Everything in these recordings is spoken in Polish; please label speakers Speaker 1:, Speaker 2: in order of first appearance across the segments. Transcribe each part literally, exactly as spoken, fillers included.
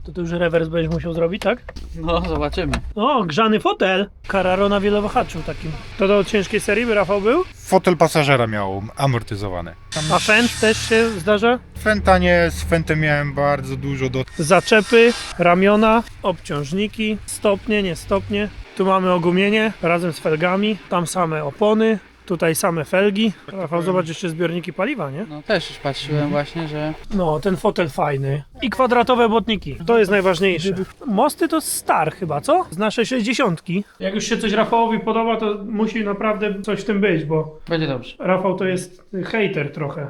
Speaker 1: To ty już rewers będziesz musiał zrobić, tak?
Speaker 2: No, zobaczymy.
Speaker 1: O, grzany fotel! Carraro na wielowahaczu takim. To do ciężkiej serii by Rafał był?
Speaker 3: Fotel pasażera miał amortyzowany.
Speaker 1: A fent też się zdarza?
Speaker 3: Fenta nie, z Fentem miałem bardzo dużo do...
Speaker 1: Zaczepy, ramiona, obciążniki, stopnie, nie stopnie. Tu mamy ogumienie razem z felgami, tam same opony, tutaj same felgi. Rafał, zobacz jeszcze zbiorniki paliwa, nie?
Speaker 2: No też już patrzyłem właśnie, że...
Speaker 1: No, ten fotel fajny. I kwadratowe błotniki, to jest najważniejsze. Mosty to star chyba, co? Z naszej sześćdziesiątki. Jak już się coś Rafałowi podoba, to musi naprawdę coś w tym być, bo
Speaker 2: Będzie dobrze.
Speaker 1: Rafał to jest hejter trochę.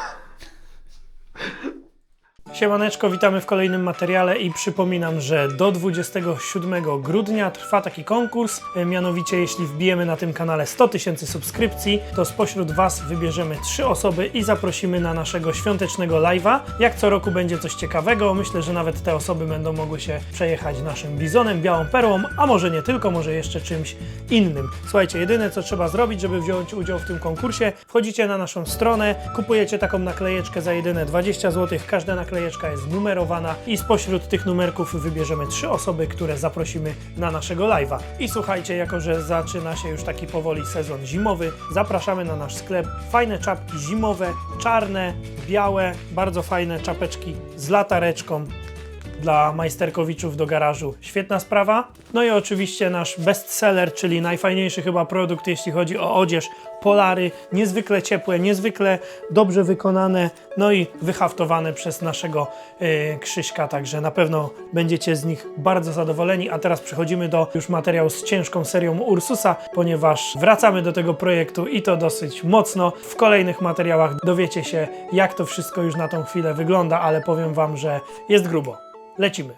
Speaker 1: Siemaneczko, witamy w kolejnym materiale i przypominam, że do dwudziestego siódmego grudnia trwa taki konkurs. Mianowicie, jeśli wbijemy na tym kanale sto tysięcy subskrypcji, to spośród Was wybierzemy trzy osoby i zaprosimy na naszego świątecznego live'a. Jak co roku będzie coś ciekawego, myślę, że nawet te osoby będą mogły się przejechać naszym bizonem, białą perłą, a może nie tylko, może jeszcze czymś innym. Słuchajcie, jedyne co trzeba zrobić, żeby wziąć udział w tym konkursie, wchodzicie na naszą stronę, kupujecie taką naklejeczkę za jedyne dwadzieścia złotych, każda naklejeczka jest numerowana i spośród tych numerków wybierzemy trzy osoby, które zaprosimy na naszego live'a. I słuchajcie, jako że zaczyna się już taki powoli sezon zimowy, zapraszamy na nasz sklep. Fajne czapki zimowe, czarne, białe, bardzo fajne czapeczki z latareczką dla majsterkowiczów do garażu. Świetna sprawa. No i oczywiście nasz bestseller, czyli najfajniejszy chyba produkt, jeśli chodzi o odzież, polary, niezwykle ciepłe, niezwykle dobrze wykonane, no i wyhaftowane przez naszego yy, Krzyśka, także na pewno będziecie z nich bardzo zadowoleni. A teraz przechodzimy do już materiału z ciężką serią Ursusa, ponieważ wracamy do tego projektu i to dosyć mocno. W kolejnych materiałach dowiecie się, jak to wszystko już na tą chwilę wygląda, ale powiem Wam, że jest grubo. Lecimy.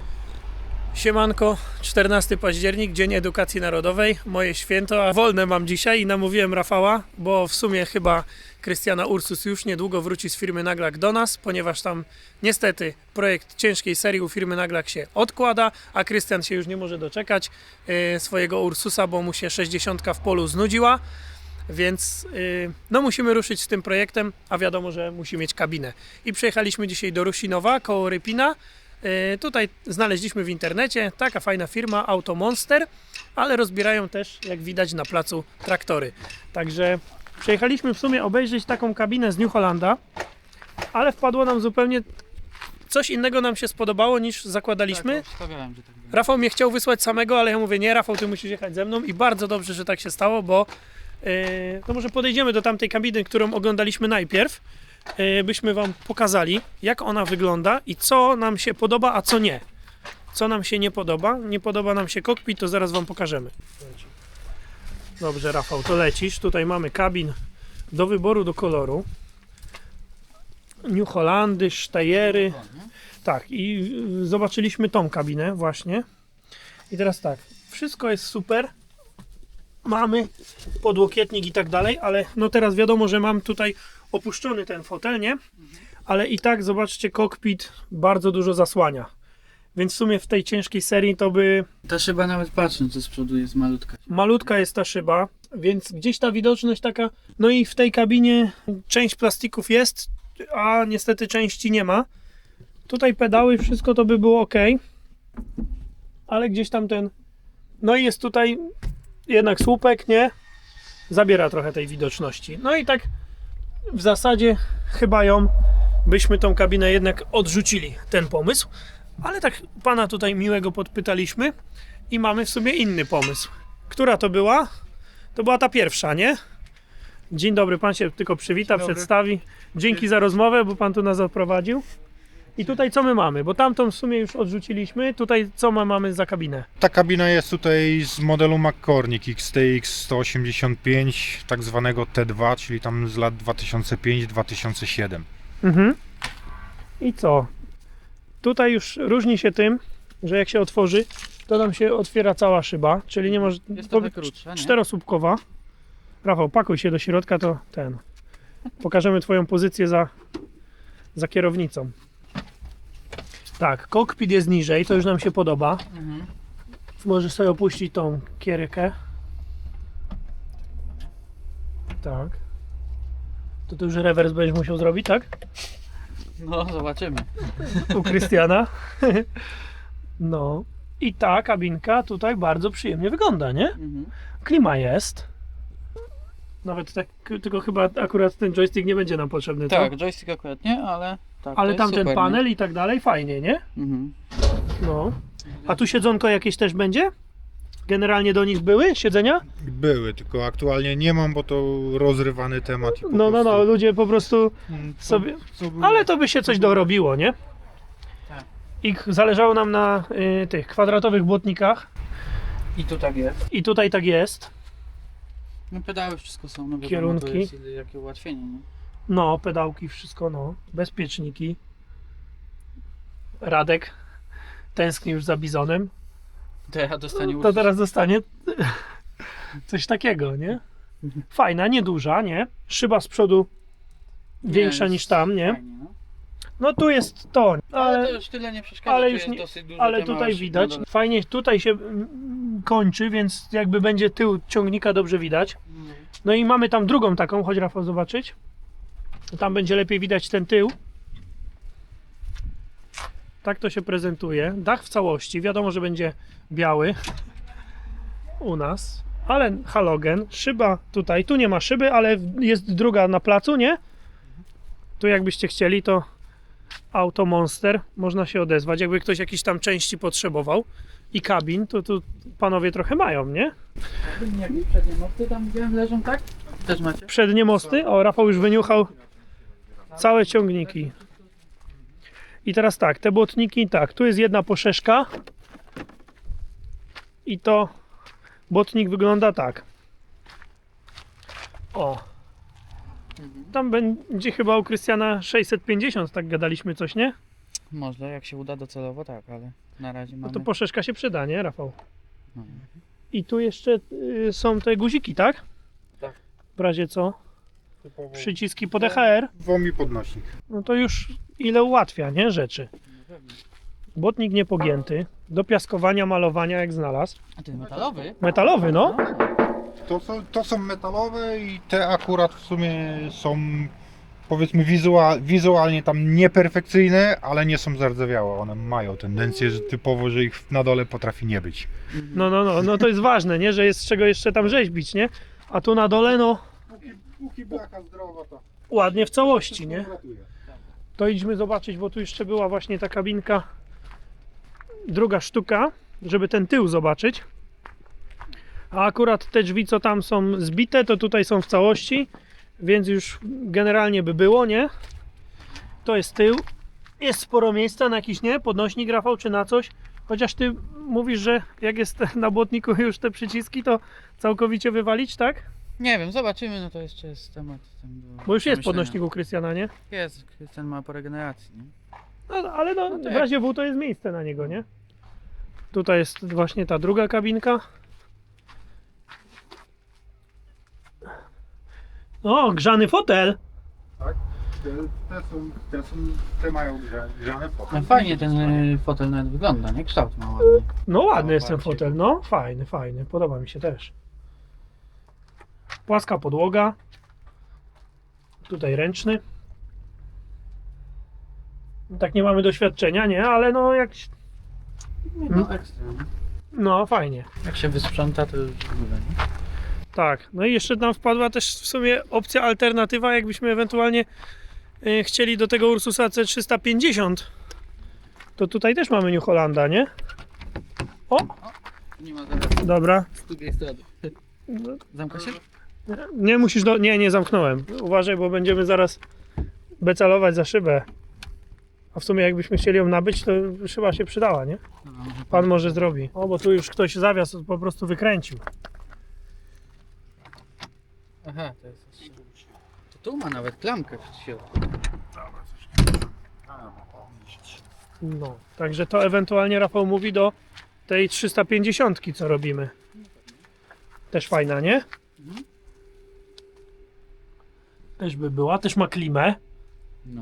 Speaker 1: Siemanko, czternastego października, Dzień Edukacji Narodowej, moje święto, a wolne mam dzisiaj i namówiłem Rafała, bo w sumie chyba Krystiana Ursus już niedługo wróci z firmy Naglak do nas, ponieważ tam niestety projekt ciężkiej serii u firmy Naglak się odkłada, a Krystian się już nie może doczekać yy, swojego Ursusa, bo mu się sześćdziesiątka w polu znudziła. Więc yy, no musimy ruszyć z tym projektem, a wiadomo, że musi mieć kabinę. I przyjechaliśmy dzisiaj do Rusinowa, koło Rypina. Yy, tutaj znaleźliśmy w internecie, taka fajna firma, Auto Monster, ale rozbierają też, jak widać, na placu traktory. Także przyjechaliśmy w sumie obejrzeć taką kabinę z New Hollanda, ale wpadło nam zupełnie coś innego, nam się spodobało niż zakładaliśmy.
Speaker 2: Tak, obstawiałem, że tak będzie.
Speaker 1: Rafał mnie chciał wysłać samego, ale ja mówię, nie Rafał, ty musisz jechać ze mną i bardzo dobrze, że tak się stało, bo yy, to może podejdziemy do tamtej kabiny, którą oglądaliśmy najpierw, yy, byśmy Wam pokazali, jak ona wygląda i co nam się podoba, a co nie. Co nam się nie podoba. Nie podoba nam się kokpit, to zaraz Wam pokażemy. Dobrze, Rafał, to lecisz. Tutaj mamy kabin do wyboru, do koloru. New Hollandy, Steyery. Tak, i y, zobaczyliśmy tą kabinę właśnie. I teraz tak, wszystko jest super. Mamy podłokietnik i tak dalej, ale no teraz wiadomo, że mam tutaj opuszczony ten fotel, nie? Ale i tak zobaczcie, kokpit bardzo dużo zasłania. Więc w sumie w tej ciężkiej serii to by...
Speaker 2: Ta szyba nawet patrząc z przodu jest malutka.
Speaker 1: Malutka jest ta szyba, więc gdzieś ta widoczność taka... No i w tej kabinie część plastików jest, a niestety części nie ma. Tutaj pedały, wszystko to by było ok. Ale gdzieś tam ten... No i jest tutaj jednak słupek, nie? Zabiera trochę tej widoczności. No i tak w zasadzie chyba ją byśmy tą kabinę jednak odrzucili, ten pomysł. Ale tak pana tutaj miłego podpytaliśmy i mamy w sumie inny pomysł. Która to była? To była ta pierwsza, nie? Dzień dobry, pan się tylko przywita, przedstawi. Dzięki za rozmowę, bo pan tu nas zaprowadził. I tutaj co my mamy? Bo tamtą w sumie już odrzuciliśmy. Tutaj co my mamy za kabinę?
Speaker 3: Ta kabina jest tutaj z modelu McCormick X T X sto osiemdziesiąt pięć, tak zwanego T dwa, czyli tam z lat dwa tysiące piąty do dwa tysiące siódmego.
Speaker 1: Mhm. I co? Tutaj już różni się tym, że jak się otworzy, to nam się otwiera cała szyba, czyli nie może...
Speaker 2: Jest trochę krótsza, nie?
Speaker 1: Czterosłupkowa. Rafał, pakuj się do środka, to ten. Pokażemy Twoją pozycję za, za kierownicą. Tak, kokpit jest niżej, to już nam się podoba.
Speaker 2: Mhm.
Speaker 1: Możesz sobie opuścić tą kierkę. Tak. To ty już rewers będziesz musiał zrobić, tak?
Speaker 2: No, zobaczymy.
Speaker 1: u Krystiana. No i ta kabinka tutaj bardzo przyjemnie wygląda, nie?
Speaker 2: Mhm.
Speaker 1: Klima jest. Nawet tak, tylko chyba akurat ten joystick nie będzie nam potrzebny, co?
Speaker 2: Tak, joystick akurat nie, ale tak, to
Speaker 1: Ale
Speaker 2: jest
Speaker 1: tam ten
Speaker 2: super,
Speaker 1: panel i tak dalej, fajnie, nie?
Speaker 2: Nie? Mhm.
Speaker 1: No. A tu siedzonko jakieś też będzie? Generalnie do nich były siedzenia?
Speaker 3: Były, tylko aktualnie nie mam, bo to rozrywany temat. I po
Speaker 1: No, no, no,
Speaker 3: prostu,
Speaker 1: ludzie po prostu
Speaker 3: mm, co-
Speaker 1: sobie...
Speaker 3: co było-
Speaker 1: Ale to by się coś dorobiło, nie?
Speaker 2: Tak.
Speaker 1: I k- zależało nam na y, tych kwadratowych błotnikach
Speaker 2: I tu tak jest.
Speaker 1: i tutaj tak jest.
Speaker 2: No pedały wszystko są, no wiadomo,
Speaker 1: Kierunki.
Speaker 2: to jest jakie ułatwienie, nie?
Speaker 1: No, pedałki, wszystko, no. Bezpieczniki. Radek tęskni już za bizonem.
Speaker 2: To ja dostanie
Speaker 1: To teraz dostanie coś takiego, nie? Fajna, nieduża, nie? Szyba z przodu większa niż tam, nie?
Speaker 2: Fajnie, no.
Speaker 1: No tu jest to,
Speaker 2: Ale,
Speaker 1: ale,
Speaker 2: to już tyle nie przeszkadza,
Speaker 1: ale
Speaker 2: tu
Speaker 1: już
Speaker 2: jest
Speaker 1: nie-
Speaker 2: dosyć dużo
Speaker 1: ale
Speaker 2: tej
Speaker 1: tutaj
Speaker 2: małej szyby
Speaker 1: widać.
Speaker 2: na dole.
Speaker 1: Fajnie tutaj się mm, kończy, więc jakby będzie tył ciągnika dobrze widać.
Speaker 2: Mhm.
Speaker 1: No i mamy tam drugą taką, chodź Rafał zobaczyć. Tam będzie lepiej widać ten tył. Tak to się prezentuje. Dach w całości, wiadomo, że będzie biały u nas, ale halogen, szyba tutaj, tu nie ma szyby, ale jest druga na placu, nie? Tu jakbyście chcieli, to Auto Monster, można się odezwać, jakby ktoś jakiś tam części potrzebował. I kabin, to tu panowie trochę mają, nie?
Speaker 2: Jakieś przednie mosty tam widziałem leżą, tak? Też macie?
Speaker 1: Przednie mosty, o Rafał już wyniuchał całe ciągniki. I teraz tak, te błotniki, tak, tu jest jedna poszerzka i to błotnik wygląda tak. O,
Speaker 2: Mhm.
Speaker 1: tam będzie chyba u Krystiana sześćset pięćdziesiąt, tak gadaliśmy coś, nie?
Speaker 2: Może, jak się uda docelowo, tak, ale na razie
Speaker 1: No
Speaker 2: mamy...
Speaker 1: to poszerzka się przyda, nie Rafał?
Speaker 2: No.
Speaker 1: I tu jeszcze y, są te guziki, tak?
Speaker 2: Tak.
Speaker 1: W razie co?
Speaker 3: Typowo
Speaker 1: Przyciski pod E H R,
Speaker 3: wom i podnośnik.
Speaker 1: no to już ile ułatwia, nie? Rzeczy.
Speaker 2: No pewnie.
Speaker 1: Błotnik niepogięty, do piaskowania, malowania jak znalazł.
Speaker 2: A ten metalowy?
Speaker 1: Metalowy, no.
Speaker 3: To są, to są metalowe i te akurat w sumie są, powiedzmy, wizua, wizualnie tam nieperfekcyjne, ale nie są zardzewiałe. One mają tendencję że typowo, że ich na dole potrafi nie być.
Speaker 1: No, no, no, no to jest ważne, nie? Że jest z czego jeszcze tam rzeźbić, nie? A tu na dole, no,
Speaker 3: Póki blaka zdrowa, to
Speaker 1: ładnie w całości, nie? To idźmy zobaczyć, bo tu jeszcze była właśnie ta kabinka, druga sztuka, żeby ten tył zobaczyć. A akurat te drzwi, co tam są zbite, to tutaj są w całości, więc już generalnie by było, nie? To jest tył. Jest sporo miejsca na jakiś, nie? Podnośnik, Rafał, czy na coś? Chociaż ty mówisz, że jak jest na błotniku już te przyciski, to całkowicie wywalić, tak?
Speaker 2: Nie wiem, zobaczymy, no to jeszcze jest temat. Tam do
Speaker 1: Bo już jest
Speaker 2: przemyślenia.
Speaker 1: podnośnik u Krystiana, nie?
Speaker 2: Jest, ten ma po regeneracji, nie?
Speaker 1: No, ale no,
Speaker 2: No tak.
Speaker 1: w razie W to jest miejsce na niego, nie? Tutaj jest właśnie ta druga kabinka. O, grzany fotel!
Speaker 3: Tak? Te, te, są, te, są, te mają grze- grzane
Speaker 2: No
Speaker 3: fotel.
Speaker 2: fajnie ten y, fotel nawet wygląda, nie? Kształt ma ładny.
Speaker 1: No ładny
Speaker 3: No,
Speaker 1: jest ten
Speaker 3: bardziej.
Speaker 1: fotel, no fajny, fajny, podoba mi się też. Płaska podłoga. Tutaj ręczny. Tak nie mamy doświadczenia, nie? Ale no jak...
Speaker 2: No ekstra, nie?
Speaker 1: No fajnie.
Speaker 2: Jak się wysprząta, to już w ogóle, nie?
Speaker 1: Tak, no i jeszcze nam wpadła też w sumie opcja alternatywa, jakbyśmy ewentualnie y, chcieli do tego Ursusa C trzysta pięćdziesiąt. To tutaj też mamy New Hollanda, nie? O,
Speaker 2: Nie ma zaraz
Speaker 1: dobra.
Speaker 2: z drugiej strony. Zamka się?
Speaker 1: Nie musisz do... Nie, nie zamknąłem. Uważaj, bo będziemy zaraz becalować za szybę. A w sumie jakbyśmy chcieli ją nabyć, to szyba się przydała, nie?
Speaker 2: No, może
Speaker 1: Pan może zrobi. O, bo tu już ktoś zawias po prostu wykręcił.
Speaker 2: Aha, to jest jeszcze... To tu ma nawet klamkę w środku.
Speaker 1: No, także to ewentualnie Rafał mówi do tej trzysta pięćdziesiąt, co robimy. Też fajna, nie?
Speaker 2: Mhm.
Speaker 1: Też by była, też ma klimę.
Speaker 2: No.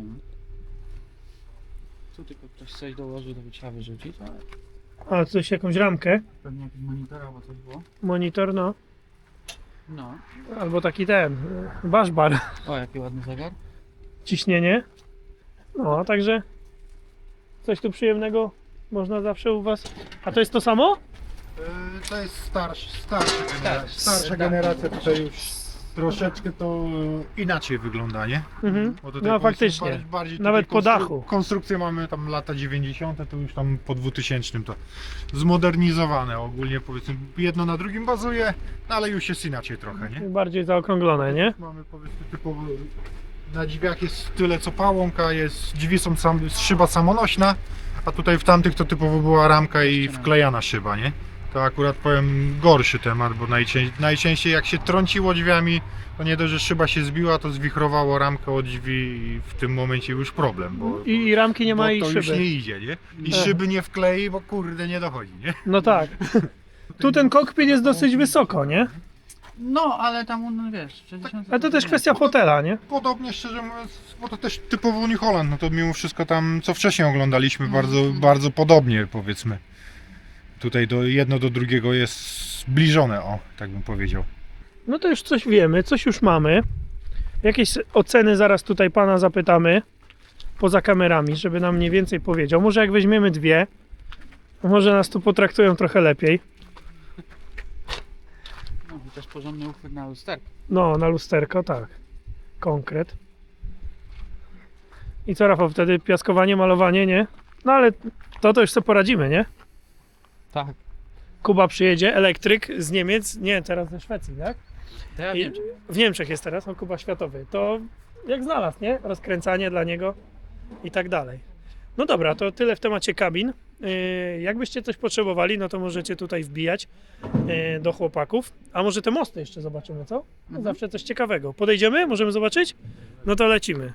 Speaker 2: Tu tylko ktoś coś dołożył, to by trzeba wyrzucić, ale
Speaker 1: A coś, jakąś ramkę.
Speaker 2: pewnie jakiś monitor albo coś było.
Speaker 1: Monitor, no.
Speaker 2: No.
Speaker 1: Albo taki ten, waszbar.
Speaker 2: O, jaki ładny zegar.
Speaker 1: Ciśnienie. No, także coś tu przyjemnego można zawsze u Was. A to jest to samo?
Speaker 3: E, To jest starszy, starsza, genera
Speaker 2: Tak,
Speaker 3: starsza
Speaker 2: tak.
Speaker 3: generacja, tutaj już troszeczkę to inaczej wygląda, nie?
Speaker 1: Mhm.
Speaker 3: Bo tutaj
Speaker 1: No
Speaker 3: powiedzmy
Speaker 1: faktycznie.
Speaker 3: bardziej- bardziej
Speaker 1: Nawet
Speaker 3: tutaj
Speaker 1: po
Speaker 3: konstru-
Speaker 1: dachu.
Speaker 3: Konstrukcję mamy tam lata dziewięćdziesiąte, to już tam po dwutysięcznym to zmodernizowane ogólnie, powiedzmy jedno na drugim bazuje, no ale już jest inaczej trochę, nie?
Speaker 1: Bardziej zaokrąglone, nie?
Speaker 3: Mamy powiedzmy typowo na drzwiach jest tyle co pałąka, jest, drzwi są sam, jest szyba samonośna, a tutaj w tamtych to typowo była ramka i wklejana szyba, nie? To akurat powiem gorszy temat, bo najczęściej, najczęściej jak się trąciło drzwiami, to nie dość, że szyba się zbiła, to zwichrowało ramkę od drzwi i w tym momencie już problem, bo,
Speaker 1: I, i ramki nie
Speaker 3: bo
Speaker 1: ma i
Speaker 3: to już
Speaker 1: szyby.
Speaker 3: nie idzie, nie? I
Speaker 1: Tak.
Speaker 3: szyby nie wklei, bo kurde nie dochodzi, nie?
Speaker 1: No tak. Tu ten kokpit jest dosyć wysoko, nie?
Speaker 2: No, ale tam, no wiesz, sześćdziesiąt
Speaker 1: Ale to też kwestia fotela, nie?
Speaker 3: Podobnie szczerze mówiąc, bo to też typowo New Holland, no to mimo wszystko tam, co wcześniej oglądaliśmy,
Speaker 2: Mhm.
Speaker 3: bardzo, bardzo podobnie powiedzmy. Tutaj do, jedno do drugiego jest zbliżone, o, tak bym powiedział.
Speaker 1: No to już coś wiemy, coś już mamy. Jakieś oceny zaraz tutaj pana zapytamy poza kamerami, żeby nam mniej więcej powiedział. Może jak weźmiemy dwie, to może nas tu potraktują trochę lepiej.
Speaker 2: No i też porządny uchwyt na lusterkę.
Speaker 1: No, na lusterko, tak. Konkret. I co, Rafał, wtedy piaskowanie, malowanie, nie? No ale to to już sobie poradzimy, nie?
Speaker 2: Tak.
Speaker 1: Kuba przyjedzie, elektryk z Niemiec, nie, teraz ze Szwecji, tak?
Speaker 2: To ja
Speaker 1: I-
Speaker 2: wiem, czy
Speaker 1: W Niemczech jest teraz, no Kuba światowy. To jak znalazł, nie? Rozkręcanie dla niego i tak dalej. No dobra, to tyle w temacie kabin. Yy, Jakbyście coś potrzebowali, no to możecie tutaj wbijać yy, do chłopaków. A może te mosty jeszcze zobaczymy, co? No
Speaker 2: Mhm.
Speaker 1: zawsze coś ciekawego. Podejdziemy? Możemy zobaczyć? No to lecimy.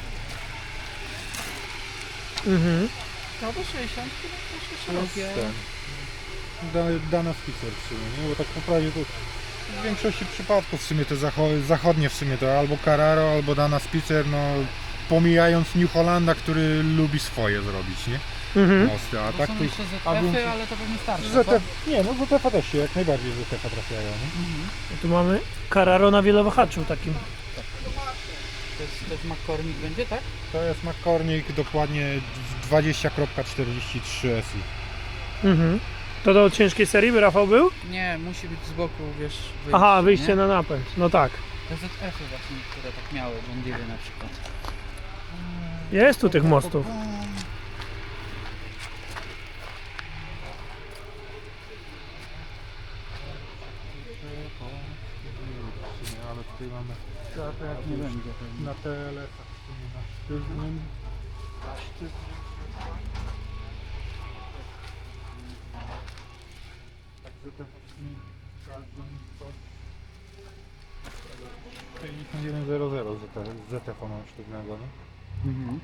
Speaker 1: Mhm.
Speaker 2: to do sześćdziesiąt, no to się szerokie.
Speaker 3: Da, dana spicer w sumie, nie? Bo tak naprawdę to w większości przypadków w sumie te zacho- zachodnie w sumie to albo Carraro, albo dana spicer, no pomijając New Hollanda, który lubi swoje zrobić, nie?
Speaker 1: Mhm.
Speaker 3: Mosty, a
Speaker 2: Bo
Speaker 3: tak
Speaker 2: są
Speaker 3: to
Speaker 2: jeszcze
Speaker 3: albo-
Speaker 2: Z T F-y, ale to pewnie starsze.
Speaker 3: Z T F, nie, no Z T F też się jak najbardziej Z T F trafiają, nie?
Speaker 2: Mhm.
Speaker 1: Tu mamy Carraro na wielowahaczu takim.
Speaker 2: To jest, to jest McCormick będzie, tak?
Speaker 3: To jest McCormick dokładnie dwadzieścia czterdzieści trzy S I.
Speaker 1: Mhm. To do ciężkiej serii by Rafał był?
Speaker 2: Nie, musi być z boku, wiesz, wyjście,
Speaker 1: Aha, wyjście
Speaker 2: nie?
Speaker 1: na napęd. No tak.
Speaker 2: Te Z F-y właśnie, które tak miały, John Deere na przykład.
Speaker 1: Jest tu tych mostów.
Speaker 3: Ale tutaj mamy
Speaker 2: To jak nie będzie pewnie.
Speaker 3: na T L S-ach w sumie na sztywnym. Na sztywnym. Także to w sumie w każdym to... pięćdziesiąt jeden zero zero Z T F mam sztywnego, nie?
Speaker 2: Mhm.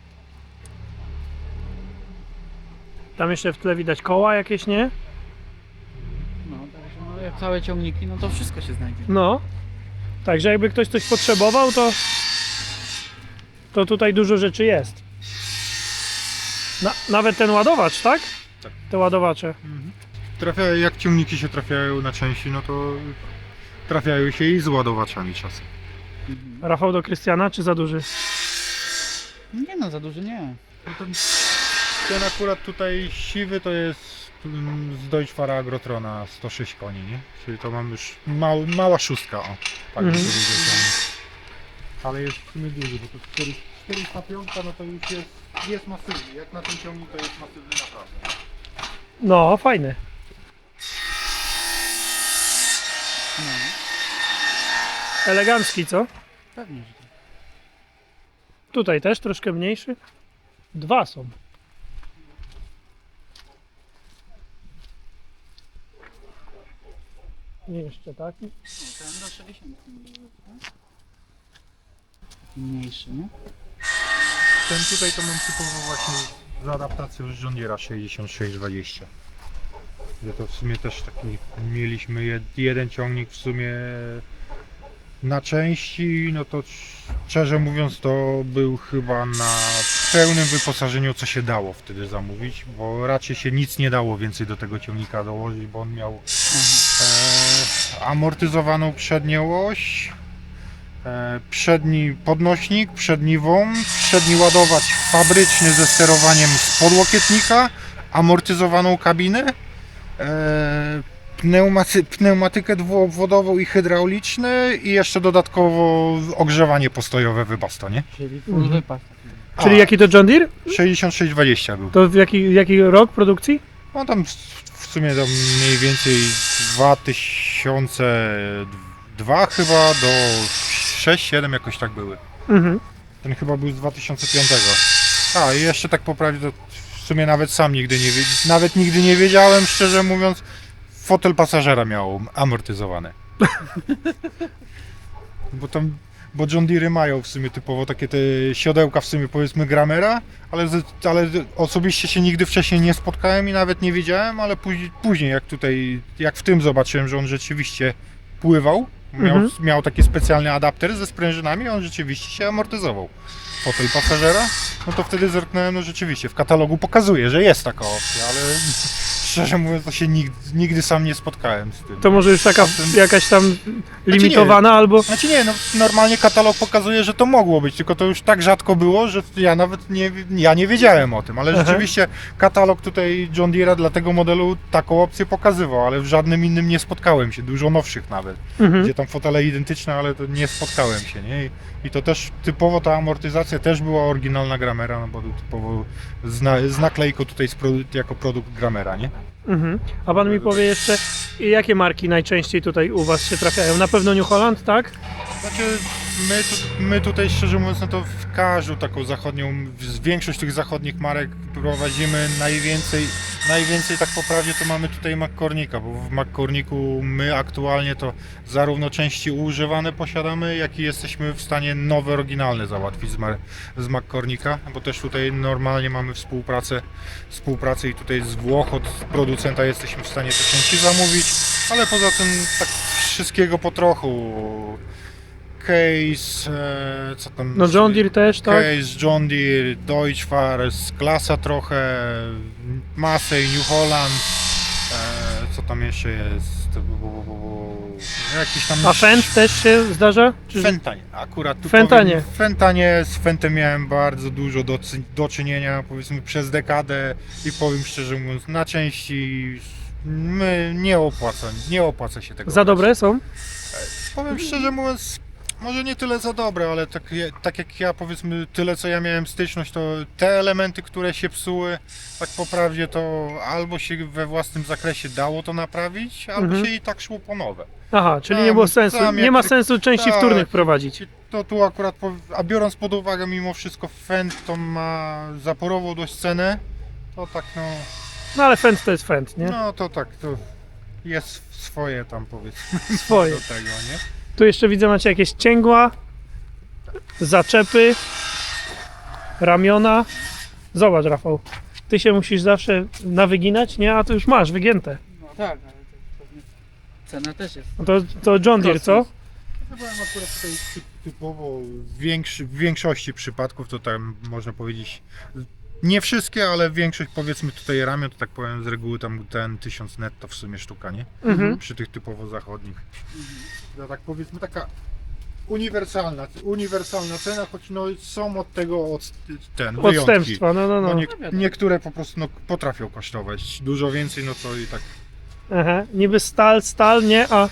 Speaker 1: Tam jeszcze w tle widać koła jakieś, nie?
Speaker 2: No, także no, jak całe ciągniki, no to wszystko się znajdzie.
Speaker 1: No. Także jakby ktoś coś potrzebował, to to tutaj dużo rzeczy jest. Na, nawet ten ładowacz, tak?
Speaker 3: Tak.
Speaker 1: Te ładowacze.
Speaker 3: Trafiają, jak ciągniki się trafiają na części, no to trafiają się i z ładowaczami czasem.
Speaker 2: Mhm.
Speaker 1: Rafał do Krystiana, czy za duży?
Speaker 2: Nie no, za duży nie.
Speaker 3: No to ten akurat tutaj siwy to jest mm, z Deutschfahrer Agrotrona sto sześć koni, nie? Czyli to mam już mał, mała szóstka, o. Tak
Speaker 1: Mhm.
Speaker 3: bym powiedział. Ale jest w sumie duży, bo to czterysta pięć no to już jest, jest masywny. Jak na ten ciągnik to jest masywny naprawdę.
Speaker 1: No, fajny.
Speaker 2: No,
Speaker 1: Elegancki, co?
Speaker 2: pewnie, że tak.
Speaker 1: Tutaj też troszkę mniejszy. Dwa są. Nie jeszcze taki.
Speaker 2: Ten do sześćdziesiąt. Tak? Taki mniejszy, nie?
Speaker 3: Ten tutaj to mam typowo właśnie z adaptacją z John Deere'a sześćdziesiąt sześć dwadzieścia. Gdzie to w sumie też taki mieliśmy jed, jeden ciągnik w sumie na części, no to szczerze mówiąc to był chyba na pełnym wyposażeniu, co się dało wtedy zamówić, bo raczej się nic nie dało więcej do tego ciągnika dołożyć, bo on miał
Speaker 2: Aha.
Speaker 3: e, amortyzowaną przednią oś, e, przedni podnośnik, przedni wąt, przedni ładowacz fabryczny ze sterowaniem z podłokietnika, amortyzowaną kabinę, e, pneumaty, pneumatykę dwuobwodową i hydrauliczne i jeszcze dodatkowo ogrzewanie postojowe Webasto, nie?
Speaker 2: Czyli full
Speaker 1: Mhm.
Speaker 2: wypas.
Speaker 1: Czyli
Speaker 3: A,
Speaker 1: jaki to John Deere?
Speaker 3: sześćdziesiąt sześć dwadzieścia był.
Speaker 1: To w jaki, jaki rok produkcji?
Speaker 3: No tam w w sumie tam mniej więcej dwa tysiące dwa chyba do sześć siedem jakoś tak były.
Speaker 1: Mhm.
Speaker 3: Ten chyba był z dwa tysiące piątego. A i jeszcze tak poprawić, to w sumie nawet sam nigdy nie wiedziałem, nawet nigdy nie wiedziałem, szczerze mówiąc, fotel pasażera miał amortyzowany. Bo tam, bo John Deere mają w sumie typowo takie te siodełka w sumie powiedzmy Gramera, ale, z- ale osobiście się nigdy wcześniej nie spotkałem i nawet nie wiedziałem, ale później, później jak tutaj, jak w tym zobaczyłem, że on rzeczywiście pływał, miał,
Speaker 1: Mhm.
Speaker 3: miał taki specjalny adapter ze sprężynami, on rzeczywiście się amortyzował. Fotel pasażera, no to wtedy zerknąłem, no rzeczywiście w katalogu pokazuje, że jest taka opcja, ale szczerze mówiąc to się nigdy, nigdy sam nie spotkałem z tym.
Speaker 1: To może już taka
Speaker 3: Potem-
Speaker 1: jakaś tam limitowana albo...
Speaker 3: Znaczy nie, no normalnie katalog pokazuje, że to mogło być, tylko to już tak rzadko było, że ja nawet nie, ja nie wiedziałem o tym, ale
Speaker 1: Aha.
Speaker 3: rzeczywiście katalog tutaj John Deere'a dla tego modelu taką opcję pokazywał, ale w żadnym innym nie spotkałem się, dużo nowszych nawet,
Speaker 1: Mhm.
Speaker 3: gdzie tam fotele identyczne, ale to nie spotkałem się, nie? I, i to też typowo ta amortyzacja też była oryginalna Gramera, no bo to typowo z, na, z naklejką tutaj z produ- jako produkt Gramera, nie?
Speaker 1: Mhm. A pan mi powie jeszcze, jakie marki najczęściej tutaj u was się trafiają? Na pewno New Holland, tak?
Speaker 3: Znaczy, my, tu, my tutaj szczerze mówiąc, no to w każdą taką zachodnią, w- większość tych zachodnich marek prowadzimy najwięcej, najwięcej tak poprawnie to mamy tutaj McCormicka, bo w McCormicku my aktualnie to zarówno części używane posiadamy, jak i jesteśmy w stanie nowe, oryginalne załatwić z, Mar- z McCormicka, bo też tutaj normalnie mamy współpracę, współpracę i tutaj z Włoch od producenta jesteśmy w stanie te części zamówić, ale poza tym tak wszystkiego po trochu. Case, e, co tam?
Speaker 1: No John Deere też, tak?
Speaker 3: Case, John Deere, Deutschfar, Klasa trochę, Massey, New Holland, e, co tam jeszcze jest? To bu- bu- bu- bu- Jakiś tam...
Speaker 1: A Fendt też się zdarza? Czy...
Speaker 3: Fentanie, akurat tu
Speaker 1: Fentanie.
Speaker 3: powiem, Fentanie, z Fentem miałem bardzo dużo do, cy- do czynienia, powiedzmy przez dekadę i powiem szczerze mówiąc, na części my nie opłaca, nie opłaca się tego.
Speaker 1: Za
Speaker 3: brać.
Speaker 1: dobre są?
Speaker 3: Powiem szczerze mówiąc, może nie tyle za dobre, ale tak, je- tak jak ja powiedzmy, tyle co ja miałem styczność, to te elementy, które się psuły, tak poprawnie to albo się we własnym zakresie dało to naprawić, albo
Speaker 1: Mhm.
Speaker 3: się i tak szło po nowe.
Speaker 1: Aha, czyli nie
Speaker 3: Tam-
Speaker 1: było sensu,
Speaker 3: tam
Speaker 1: nie
Speaker 3: jak-
Speaker 1: ma sensu części
Speaker 3: tak.
Speaker 1: wtórnych prowadzić.
Speaker 3: I To tu akurat, po- a biorąc pod uwagę mimo wszystko Fendt to ma zaporową dość cenę, to tak no,
Speaker 1: No ale Fendt to jest Fendt, nie?
Speaker 3: no to tak, to jest swoje tam powiedzmy
Speaker 1: Swoje.
Speaker 3: do tego, nie?
Speaker 1: Tu jeszcze widzę macie jakieś cięgła, zaczepy, ramiona. Zobacz Rafał, ty się musisz zawsze nawyginać, nie? A tu już masz wygięte.
Speaker 2: No tak, ale to pewnie cena też jest.
Speaker 1: No to, to John Deere, co?
Speaker 3: Chyba akurat tutaj ty- typowo w, większy, w większości przypadków to tam można powiedzieć, nie wszystkie, ale większość powiedzmy tutaj ramion, to tak powiem z reguły tam ten tysiąc netto w sumie sztuka, nie?
Speaker 1: Mhm.
Speaker 3: Przy tych typowo zachodnich. To tak powiedzmy taka uniwersalna, uniwersalna cena, choć no są od tego od, ten, wyjątki.
Speaker 1: Odstępstwa, no no
Speaker 3: No
Speaker 1: no.
Speaker 3: nie,
Speaker 2: wiadomo.
Speaker 3: niektóre po prostu no, potrafią kosztować dużo więcej, no to i tak.
Speaker 1: Aha. Niby stal, stal, nie? A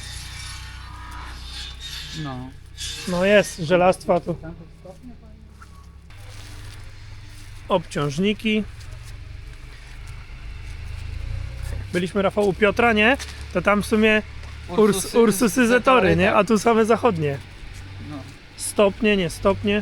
Speaker 2: No.
Speaker 1: no jest, żelastwa tu. Obciążniki. Byliśmy Rafał u Piotra, nie? To tam w sumie Urs, Ursusy Zetory, nie? A tu same zachodnie.
Speaker 2: No.
Speaker 1: Stopnie, nie stopnie.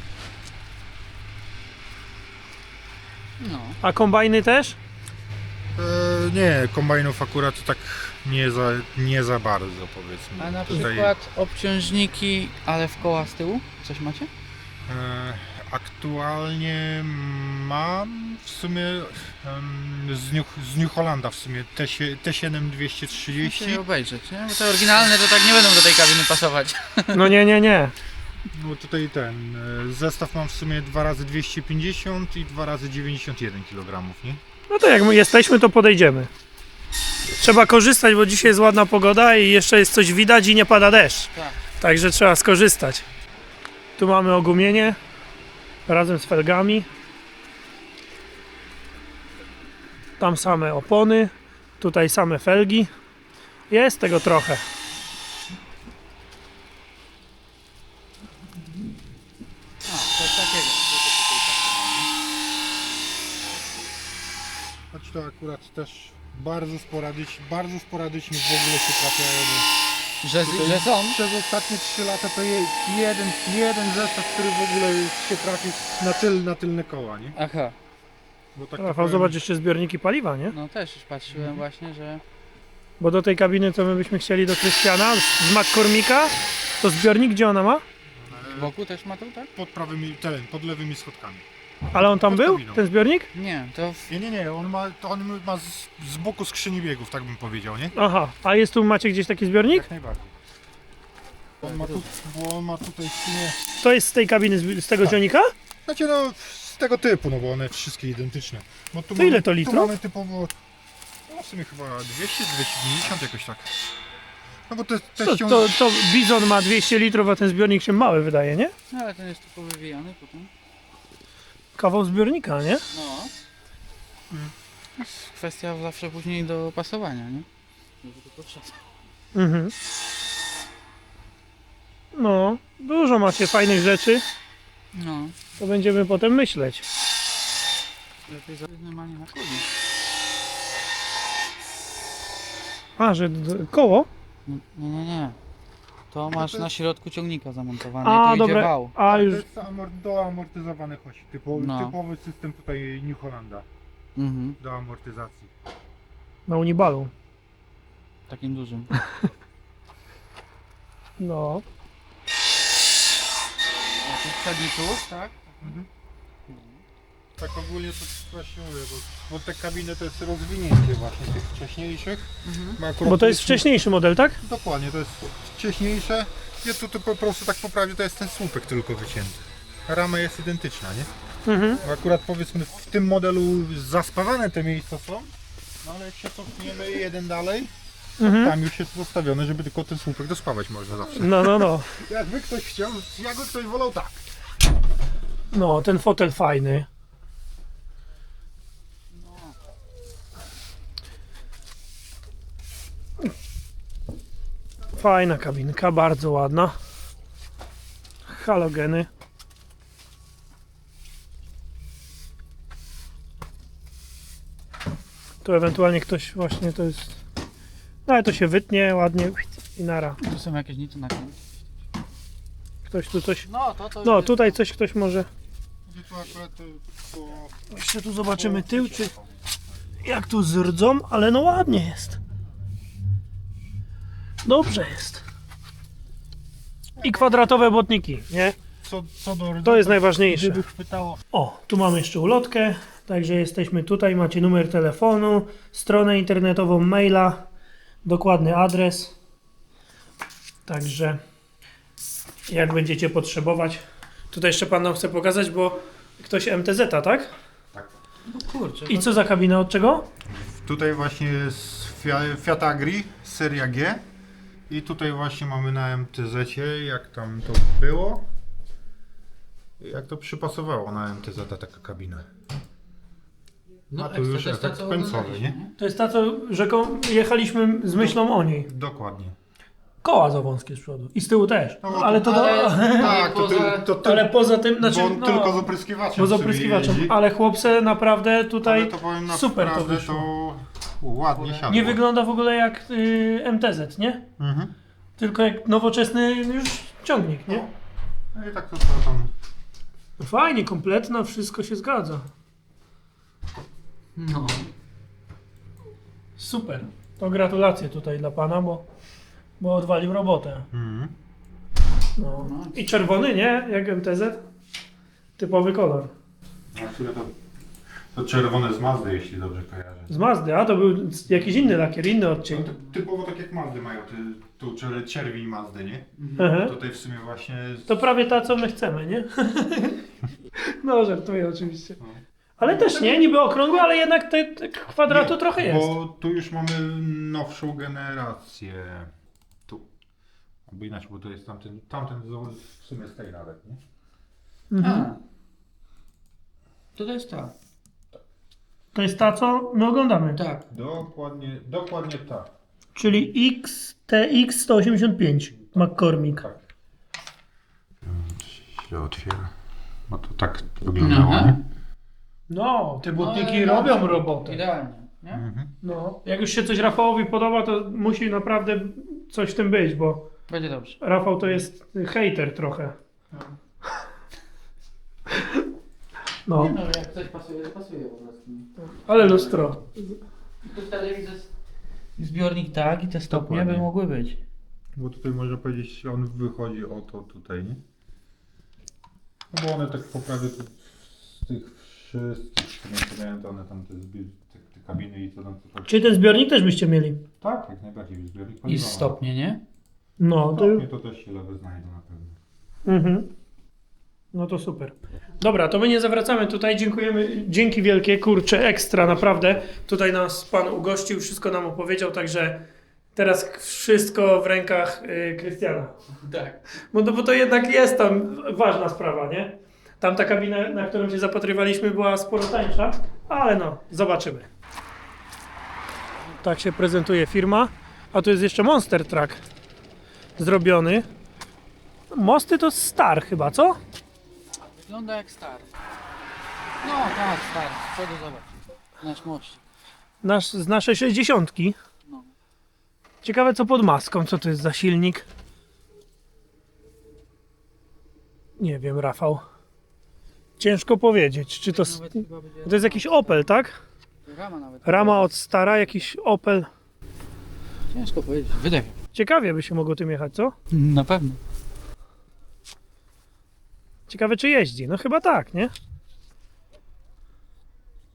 Speaker 2: No.
Speaker 1: A kombajny też?
Speaker 3: E, nie, kombajnów akurat tak nie za, nie za bardzo powiedzmy.
Speaker 2: A na
Speaker 3: Tutaj,
Speaker 2: przykład obciążniki, ale w koła z tyłu? Coś macie?
Speaker 3: e, aktualnie mam w sumie em, z, New, z New Hollanda w sumie T, T siedem dwieście trzydzieści.
Speaker 2: Muszę je obejrzeć, nie? Bo te oryginalne to tak nie będą do tej kabiny pasować.
Speaker 1: No nie, nie, nie.
Speaker 3: No tutaj ten e, zestaw mam w sumie dwa razy dwieście pięćdziesiąt i dwa razy dziewięćdziesiąt jeden kilogramów, nie?
Speaker 1: No to jak my jesteśmy, to podejdziemy. Trzeba korzystać, bo dzisiaj jest ładna pogoda i jeszcze jest coś widać i nie pada deszcz.
Speaker 2: Tak.
Speaker 1: Także trzeba skorzystać. Tu mamy ogumienie razem z felgami. Tam same opony, tutaj same felgi. Jest tego trochę.
Speaker 2: A, coś takiego.
Speaker 3: Choć to akurat też bardzo sporadycznie, bardzo sporadycznie w ogóle się trafiają.
Speaker 2: Że,
Speaker 3: Tutaj
Speaker 2: że są?
Speaker 3: Przez ostatnie trzy lata to jest jeden, jeden zestaw, który w ogóle się trafi na, tyl, na tylne koła, nie?
Speaker 2: Aha.
Speaker 3: Bo tak
Speaker 1: Rafał,
Speaker 3: powiem,
Speaker 1: zobacz jeszcze zbiorniki paliwa, nie?
Speaker 2: No też już patrzyłem właśnie, że...
Speaker 1: Bo do tej kabiny to my byśmy chcieli do Krystiana z McCormicka. To zbiornik gdzie ona ma?
Speaker 2: Z boku też ma to, tak?
Speaker 3: pod prawymi, ten, pod lewymi schodkami.
Speaker 1: Ale on tam
Speaker 3: Pod
Speaker 1: był?
Speaker 3: kabiną.
Speaker 1: Ten zbiornik?
Speaker 2: Nie, to... W...
Speaker 3: Nie, nie, nie, on ma, to on ma z, z boku skrzyni biegów, tak bym powiedział, nie?
Speaker 1: Aha, a jest tu, macie gdzieś taki zbiornik?
Speaker 3: Jak najbardziej. On ma, tu, bo on ma tutaj w sumie,
Speaker 1: To jest z tej kabiny, z, z tego
Speaker 3: Tak.
Speaker 1: zbiornika?
Speaker 3: znaczy no z tego typu, no bo one wszystkie identyczne. Bo tu
Speaker 1: To ile to litrów?
Speaker 3: Tu mamy typowo, no w sumie chyba dwieście, dwieście pięćdziesiąt jakoś tak. No bo te, te
Speaker 1: To,
Speaker 3: ściąg...
Speaker 1: to, to Bizon ma dwieście litrów, a ten zbiornik się mały wydaje, nie?
Speaker 2: No ale ten jest tylko wywijany potem.
Speaker 1: Kawał zbiornika, nie?
Speaker 2: No. Jest kwestia zawsze później do pasowania, nie? Żeby tylko czas.
Speaker 1: Mhm. No, dużo macie fajnych rzeczy,
Speaker 2: No.
Speaker 1: to będziemy potem myśleć.
Speaker 2: Lepiej za normalnie na koniec.
Speaker 1: A, że d- koło?
Speaker 2: Nie, nie, nie, nie. To masz na środku ciągnika zamontowane
Speaker 1: A,
Speaker 2: i tu idzie
Speaker 1: dobra.
Speaker 2: wał.
Speaker 1: A,
Speaker 3: To
Speaker 1: już.
Speaker 3: jest amor, doamortyzowane osi, typowy,
Speaker 2: No.
Speaker 3: typowy system tutaj New Hollanda
Speaker 2: Mhm.
Speaker 3: do amortyzacji.
Speaker 1: Na Unibalu.
Speaker 2: Takim dużym.
Speaker 1: No.
Speaker 2: A tu przedni tuż, tak?
Speaker 3: Tak ogólnie to właśnie mówię, bo, bo te kabiny to jest rozwinięcie właśnie tych wcześniejszych.
Speaker 2: Mhm.
Speaker 3: Bo, akurat
Speaker 1: Bo to jest
Speaker 3: tu-
Speaker 1: wcześniejszy model, tak?
Speaker 3: Dokładnie, to jest wcześniejsze. Nie, tu, tu po prostu tak poprawię, to jest ten słupek tylko wycięty. Rama jest identyczna, nie?
Speaker 1: Mhm.
Speaker 3: Bo akurat powiedzmy w tym modelu zaspawane te miejsca są, no ale jak się cofniemy jeden dalej,
Speaker 1: Mhm.
Speaker 3: tam już jest zostawione, żeby tylko ten słupek dospawać można zawsze.
Speaker 1: No, no, no.
Speaker 3: Jakby ktoś chciał, jakby ktoś wolał tak.
Speaker 1: No, ten fotel fajny. Fajna kabinka, bardzo ładna. Halogeny. Tu ewentualnie ktoś właśnie to jest... No ale to się wytnie ładnie i nara.
Speaker 2: Tu są jakieś nity na koniec.
Speaker 1: Ktoś tu coś...
Speaker 2: No, to to
Speaker 1: No,
Speaker 2: jest-
Speaker 1: tutaj coś ktoś może...
Speaker 3: Gdzie tu akurat to, to,
Speaker 1: Jeszcze tu zobaczymy tył, czy... Jak tu z rdzą, ale no ładnie jest. Dobrze jest. I kwadratowe błotniki, nie?
Speaker 3: co, co do
Speaker 1: To jest najważniejsze.
Speaker 3: Gdyby chwytało.
Speaker 1: O, tu mamy jeszcze ulotkę, także jesteśmy tutaj, macie numer telefonu, stronę internetową, maila, dokładny adres. Także jak będziecie potrzebować. Tutaj jeszcze pan nam chce pokazać, bo ktoś M T Z, tak?
Speaker 3: Tak.
Speaker 2: No kurczę.
Speaker 1: I co za kabina od czego?
Speaker 3: Tutaj właśnie jest Fia- Fiat Agri, seria G. I tutaj właśnie mamy na M T Z, jak tam to było. Jak to przypasowało na M T Z taka kabina.
Speaker 2: No,
Speaker 3: A tu już
Speaker 2: ekstra, to jest
Speaker 3: efekt
Speaker 2: to, co
Speaker 3: końcowy,
Speaker 2: oglądaliśmy,
Speaker 3: nie?
Speaker 1: To jest ta, co rzeką jechaliśmy z myślą o niej.
Speaker 3: Dokładnie.
Speaker 1: Koła za wąskie z przodu. I z tyłu też.
Speaker 3: No,
Speaker 1: ale to do...
Speaker 2: ale-
Speaker 3: Tak, to,
Speaker 2: poza-
Speaker 3: ty, to, to,
Speaker 1: Ale poza tym, znaczy,
Speaker 3: bo on
Speaker 1: no,
Speaker 3: tylko z opryskiwaczem.
Speaker 1: bo z
Speaker 3: sobie
Speaker 1: opryskiwaczem,
Speaker 3: jeździ.
Speaker 1: ale chłopcy naprawdę tutaj
Speaker 3: Ale to powiem
Speaker 1: super to
Speaker 3: naprawdę
Speaker 1: wyszło.
Speaker 3: to ładnie siadło.
Speaker 1: Nie wygląda w ogóle jak y, M T Z, nie?
Speaker 3: Mhm.
Speaker 1: Tylko jak nowoczesny już ciągnik, nie?
Speaker 3: No i tak to, to tam.
Speaker 1: Fajnie, kompletna, wszystko się zgadza.
Speaker 2: No.
Speaker 1: Super. To gratulacje tutaj dla pana, bo, bo odwalił robotę.
Speaker 3: Mhm.
Speaker 1: No. I czerwony, nie? Jak M T Z? Typowy kolor.
Speaker 3: A które to, to czerwone z Mazdy, jeśli dobrze kojarzę.
Speaker 1: Z Mazdy, a to był jakiś inny lakier, inny
Speaker 3: No,
Speaker 1: odcień.
Speaker 3: to typowo tak jak Mazdy mają, ty, tu czerw- czerwień Mazdy, nie?
Speaker 1: Aha.
Speaker 3: Tutaj w sumie właśnie...
Speaker 1: To prawie ta, co my chcemy, nie? No, żartuję oczywiście.
Speaker 3: No.
Speaker 1: Ale też nie, niby okrągły, ale jednak te, te kwadratu
Speaker 3: Nie,
Speaker 1: trochę jest.
Speaker 3: Bo tu już mamy nowszą generację. Tu. Albo inaczej, bo to jest tamten, tamten w sumie z tej nawet, nie?
Speaker 1: Mhm.
Speaker 2: A. To to jest ta.
Speaker 1: To jest ta, co my oglądamy.
Speaker 2: Tak.
Speaker 3: Dokładnie, dokładnie tak.
Speaker 1: Czyli X T X sto osiemdziesiąt pięć McCormick.
Speaker 3: Tak. Się otwiera. No to tak wyglądało,
Speaker 2: Aha.
Speaker 3: nie?
Speaker 1: No, te butniki
Speaker 2: No,
Speaker 1: robią
Speaker 2: no,
Speaker 1: robotę.
Speaker 2: Idealnie, nie?
Speaker 3: Mhm.
Speaker 1: No, jak już się coś Rafałowi podoba, to musi naprawdę coś w tym być, bo
Speaker 2: Będzie dobrze.
Speaker 1: Rafał to jest hejter trochę. No,
Speaker 2: Nie no, jak coś pasuje, to pasuje po prostu.
Speaker 1: ale lustro.
Speaker 2: I tu wtedy widzę z- zbiornik tak i te stopnie
Speaker 3: Dokładnie.
Speaker 2: by mogły być.
Speaker 3: Bo tutaj można powiedzieć, on wychodzi o to tutaj, nie? No bo one tak po prawie tu z tych wszystkich, które miałem, to one tam te, zbi- te, te kabiny i to tam to tak.
Speaker 1: Czyli ten zbiornik też byście mieli?
Speaker 3: Tak, jak najbardziej zbiornik
Speaker 2: I
Speaker 3: paliwowy.
Speaker 2: stopnie, nie?
Speaker 1: No, to...
Speaker 3: Stopnie to też się lewe znajdą na pewno.
Speaker 1: Mhm. No to super. Dobra, to my nie zawracamy tutaj. Dziękujemy. Dzięki wielkie, kurczę, ekstra, naprawdę. Tutaj nas pan ugościł, wszystko nam opowiedział, także teraz wszystko w rękach y, Krystiana.
Speaker 2: Tak.
Speaker 1: Bo, no, bo to jednak jest tam ważna sprawa, nie? Tamta kabina, na którą się zapatrywaliśmy, była sporo tańsza, ale no, zobaczymy. Tak się prezentuje firma. A tu jest jeszcze Monster Truck zrobiony. Mosty to Star chyba, co?
Speaker 2: Wygląda jak stary. No tak, stary. Co do zobacz. Nasz mości.
Speaker 1: Nasz, z naszej sześćdziesiątki.
Speaker 2: No.
Speaker 1: Ciekawe co pod maską, co to jest za silnik. Nie wiem, Rafał. Ciężko powiedzieć, czy to... s-
Speaker 2: Nawet chyba będzie...
Speaker 1: To jest jakiś Opel, tak?
Speaker 2: Rama nawet.
Speaker 1: Rama od Stara, jakiś Opel.
Speaker 2: Ciężko powiedzieć. Wydech.
Speaker 1: Ciekawie by się mogło tym jechać, co?
Speaker 2: Na pewno.
Speaker 1: Ciekawe czy jeździ. No chyba tak, nie?